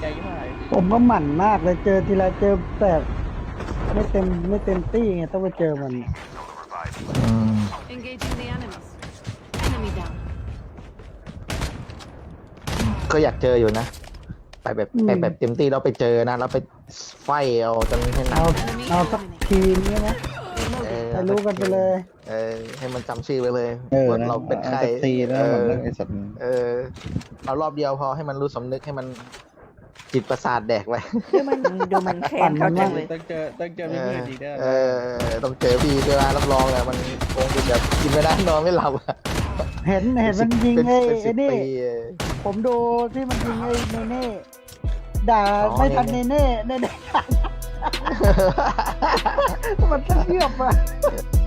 ยิ่งหายผมก็หมั่นมากเลยเจอทีไรเจอแต่ไม่เต็มตี้ไงต้องไปเจอมันอืม Engaging the enemies. Enemy down. ก็อยากเจออยู่นะไปแบบเต็มที่เราไปเจอนะเราไปไฟเอาจนให้เอาสักทีนี้นะ ให้รู้กันไปเลยให้มันจำชื่อไปเลยๆว่าเราเป็นใครอาตีแล้วมันเรื่องไอ้สัตว์เอารอบเดียวพอให้มันรู้สำนึกให้มันจิตประสาทแดกไว้ดูมันแค้นเขาจังเลยต้องเจอพี่มืดอีกได้ต้องเจอพี่ด้วยนะรับรองเลยมันคงจะแบบกินไม่ได้นอนไม่หลับอะเห็นมันยิงไอ้เป็นสิบนี่ปีผมดูที่มันยิงไอ้เนเน่ด่าอ๋อไม่ทันเนเน่มันเทียบอะ